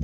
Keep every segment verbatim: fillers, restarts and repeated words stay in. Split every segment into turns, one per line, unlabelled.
అత్త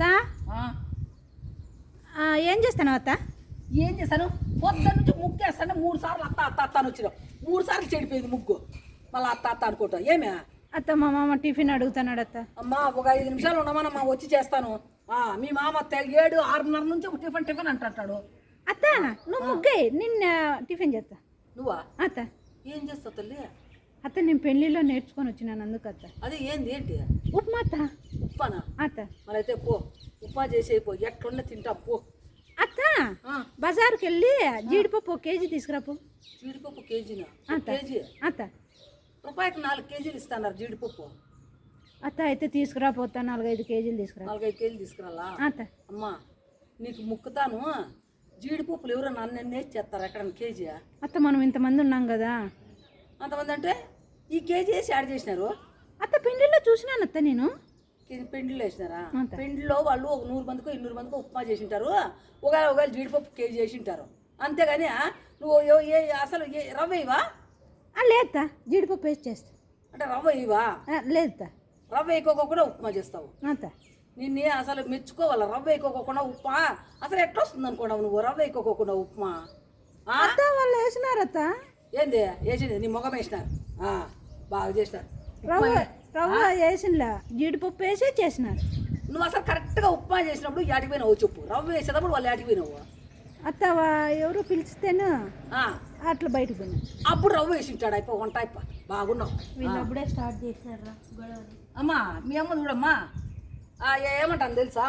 ఏం చేస్తాను అత్త?
ఏం చేస్తాను? పొద్దున్న నుంచి ముగ్గు వేస్తాను. మూడు సార్లు అత్త అత్త అత్త అని వచ్చినావు. మూడు సార్లు చెడిపోయింది ముగ్గు. మళ్ళీ అత్త అత్త అనుకుంటా. ఏమే
అత్త మా మామ టిఫిన్ అడుగుతున్నాడు అత్త.
అమ్మా ఒక ఐదు నిమిషాలు ఉండమన్నా వచ్చి చేస్తాను. మీ మామ ఏడు ఆరున్నర నుంచి టిఫిన్ టిఫిన్ అంటాడు.
అత్త నువ్వు ముగ్గే నిన్న టిఫిన్ చేస్తా.
నువ్వా
అత్త?
ఏం చేస్తావు తల్లి?
అత్త నేను పెళ్లిలో నేర్చుకొని వచ్చినాను అందుకు అత్త.
అదే ఏంది ఏంటి?
ఉప్మా అత్త.
ఉప్మానా?
అత్త
మరి అయితే పో ఉప్మా చేసేపో. ఎట్లున్నా తింటాం పో.
అత్త బజార్కి వెళ్ళి జీడిపప్పు ఒక కేజీ తీసుకురాపో.
జీడిపప్పు కేజీనా?
కేజీ అత్త.
రూపాయికి నాలుగు కేజీలు ఇస్తాన్నారు జీడిపప్పు.
అత్త అయితే తీసుకురాపోతా. నాలుగైదు కేజీలు తీసుకురా.
నాలుగైదు కేజీలు తీసుకురాలా?
అత్త.
అమ్మా నీకు ముక్కుతాను. జీడిపప్పులు ఎవరో నన్ను ఎన్నేసి చేస్తారు ఎక్కడ కేజీ?
అత్త మనం ఇంతమంది ఉన్నాం కదా.
అంతమంది అంటే ఈ కేజీ వేసి యాడ్ చేసినారు.
అత్త పెండిలో చూసినాను అత్త నేను.
పెండిలో వేసినారా? పెండిలో వాళ్ళు ఒక నూరు మందికో ఇన్నూరు మందికో ఉప్మా చేసి ఉంటారు. ఒకవేళ ఒకవేళ జీడిపప్పు కేజీ చేసి ఉంటారు. అంతేగాని నువ్వు ఏ అసలు ఏ రవ్వ ఇవా?
లేదత్తా జీడిపప్పు వేసి చేస్తా.
అంటే రవ్వ ఇవా?
లేదత్తా.
రవ్వ వేయకోకుండా ఉప్మా చేస్తావు?
అంత
నిన్నే అసలు మెచ్చుకోవాలా. రవ్వ వేయకోకుండా ఉప్మా అసలు ఎట్లా వస్తుంది అనుకున్నావు నువ్వు? రవ్వ వేయకోకుండా ఉప్మా
అత్త వాళ్ళు వేసినారత్త.
ఏంది వేసింది? నీ మొగం వేసినారు. బాగా చేసినారు.
రవ్వ రవ్వ వేసినలా జీడిపప్పు వేసి చేసినారు.
నువ్వు అసలు కరెక్ట్గా ఉప్మా చేసినప్పుడు యాటికి పోయినావు చెప్పు. రవ్వ వేసేటప్పుడు వాళ్ళు యాటికి పోయినావు?
అత్త ఎవరు పిలిస్తేను అట్లా బయటకు పోయినా.
అప్పుడు రవ్వ వేసి ఉంటాడు. అయిపో వంట అయిపో. బాగున్నావు.
వీళ్ళు అప్పుడే స్టార్ట్ చేసినారా గొడవ?
అమ్మా మీ అమ్మ చూడమ్మా ఏమంటాను తెలుసా?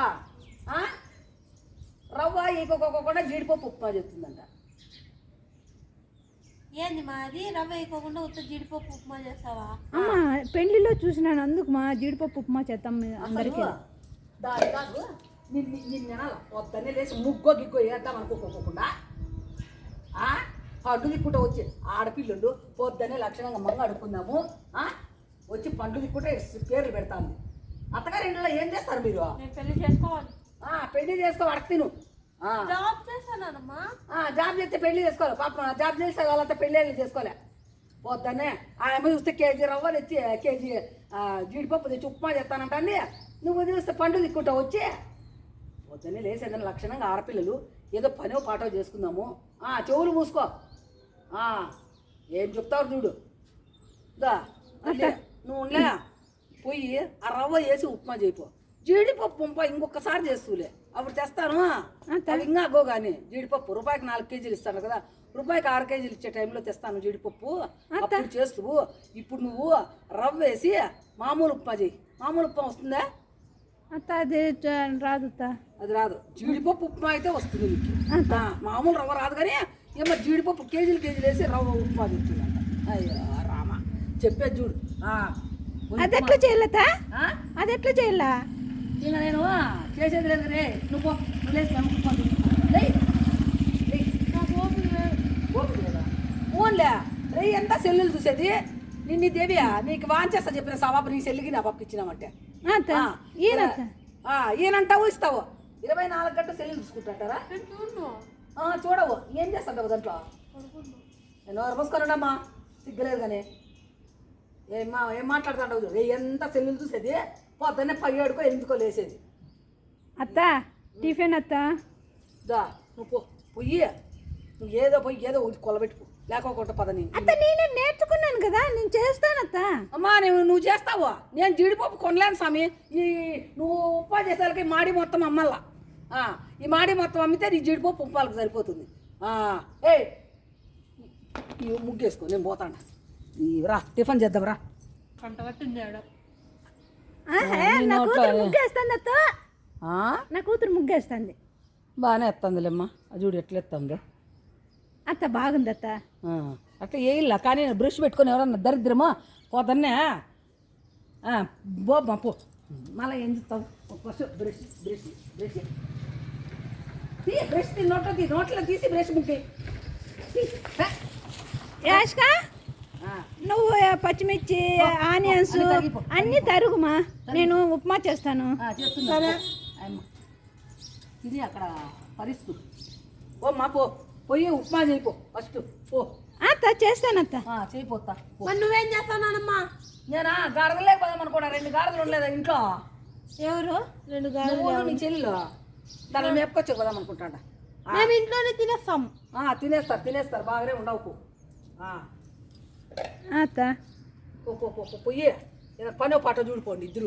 రవ్వ వేయకోకుండా జీడిపప్పు ఉప్మా చేస్తుందంట.
ఏంది మాది రవ్వ వేయకోకుండా ఉత్త జీడిపప్పు ఉప్మా చేస్తావా?
అమ్మా పెళ్లిలో చూసినాను అందుకు మా జీడిపప్పు ఉప్మా చేస్తాం అందరికీ.
దాని కాదు నిన్ను నిన్న పొద్దున్నే లేచి ముగ్గో గిగ్గో వేద్దాం అనుకోకోకుండా పండు దిక్కుంటూ వచ్చి ఆడపిల్లలు పొద్దున్నే లక్షణంగా మంగ అడుక్కుందాము వచ్చి పండు దిక్కుంటే పేర్లు పెడతాను. అత్తగారి ఇంట్లో ఏం చేస్తారు మీరు?
నేను పెళ్లి చేసుకోవాలి.
పెళ్లి చేసుకో అడగ తిను.
జాబ్ చేస్తానమ్మా.
జాబ్ చేస్తే పెళ్లి చేసుకోవాలి. పాపం జాబ్ చేస్తే వాళ్ళంతా పెళ్ళి చేసుకోలే. పొద్దున్నే ఆమె చూస్తే కేజీ రవ్వ తెచ్చి కేజీ జీడిపప్పు తెచ్చి ఉప్మా చేస్తానంటే నువ్వు చూస్తే పండు దిక్కుంటావు వచ్చి. పొద్దున్నే లేసేదని లక్షణంగా ఆడపిల్లలు ఏదో పనో పాటో చేసుకుందాము. చెవులు మూసుకో. ఏం చెప్తావు చూడు. దా నువ్వు ఉండలే పోయి ఆ రవ్వ వేసి ఉప్మా చేయిపో. జీడిపప్పు ఉంప ఇంకొకసారి చేస్తూలే అప్పుడు తెస్తాను. ఇంకా గో కానీ జీడిపప్పు రూపాయికి నాలుగు కేజీలు ఇస్తాను కదా. రూపాయికి ఆరు కేజీలు ఇచ్చే టైంలో తెస్తాను జీడిపప్పు. అప్పుడు చేస్తూ ఇప్పుడు నువ్వు రవ్వ వేసి మామూలు ఉప్మా చేయి. మామూలు ఉప్మా వస్తుందా?
అత్త అది రాదు.
అది రాదు. జీడిపప్పు ఉప్మా అయితే వస్తుంది నీకు. మామూలు రవ్వ రాదు కానీ ఏమో జీడిపప్పు కేజీలు కేజీలు వేసి రవ్వ ఉప్మా తెచ్చిందంట. అయ్యో రామా చెప్పేది చూడు.
అది ఎట్లా చేయాలతా? అది ఎట్లా చేయాలా?
ఇంకా నేను చేసేది లేదు రే. నువ్వు ఓన్లే రే ఎంత సెల్లులు చూసేది నిన్ను దేవియా నీకు వాంచేస్తా చెప్పిన సవాబు నీ సెల్లికి నా పప్పు ఇచ్చినామంటే ఈయనంటావు ఇస్తావు. ఇరవై నాలుగు గంటలు సెల్లులు చూసుకుంటారా? చూడవు ఏం చేస్తావు దాంట్లో? నేను రమస్కొనమ్మా సిగ్గలేదు కానీ ఏమ్మా ఏం మాట్లాడుతుంటావు చూడు. ఎంత సెల్లులు చూసేది పొద్దున్నే పయ్యేడుకో ఎందుకో లేసేది.
అత్త టిఫిన్ అత్త.
దా నువ్వు పో పొయ్యి. నువ్వు ఏదో పోయి ఏదో కొలబెట్టుకో లేకోకుండా పదని.
అత్త నేనే నేర్చుకున్నాను కదా నేను చేస్తాను అత్త.
అమ్మా నువ్వు నువ్వు చేస్తావు. నేను జీడిపప్పు కొనలేను స్వామి. ఈ నువ్వు ఉప్మా చేసేళ్ళకి మాడి మొత్తం అమ్మల్లా. ఈ మాడి మొత్తం అమ్మితే నీ జీడిపప్పు ఉప్పాలకు సరిపోతుంది. ఏ ఈ ముగ్గేసుకో నేను పోతాను. రా టిఫిన్ చేద్దాం రా.
పంట పట్టింది
నా కూతురు ముగ్గేస్తుంది అత్త. నా కూతురు ముగ్గేస్తుంది.
బాగానే ఎత్తుందిలేమ్మా. అది చూడు ఎట్లా ఎత్తుంది.
అత్త బాగుంది అత్త.
అట్లా వేయిల్లా కానీ బ్రష్ పెట్టుకొని ఎవరన్నా దరిద్రమా పోతన్నే బోమ్మా పో. మళ్ళీ ఏం చెప్తావు? ఫస్ట్ బ్రష్ బ్రష్ బ్రష్ తీ బ్రష్ తీ నోట్లో తీ నోట్లో తీసి బ్రష్ ముక్కి.
యాష్కా నువ్వు పచ్చిమిర్చి ఆనియన్స్ అన్నీ తరుగుమా. నేను ఉప్మా చేస్తాను.
చేస్తున్నా ఇది అక్కడ పరిస్థితి. ఓ మా పో పోయి ఉప్మా చేయిపో ఫస్ట్ పో.
అత్త చేస్తానత్త.
చేయిపోతా.
నువ్వేం చేస్తానమ్మా?
నేనా గాడిదలే పోదాం అనుకోడా. రెండు గాడిదలు ఉండలేదా ఇంట్లో?
ఎవరు రెండు గాలి
నువ్వు నీ చెల్లెలు దాన్ని మేపుకొచ్చి పోదాం అనుకుంటాడా
మేము ఇంట్లోనే తినేస్తాం.
తినేస్తారు తినేస్తారు బాగానే ఉండవు
అత్త
పో పో పో పో, పోయి ఏదో పనో పాట చూడిపోండి ఇద్దరు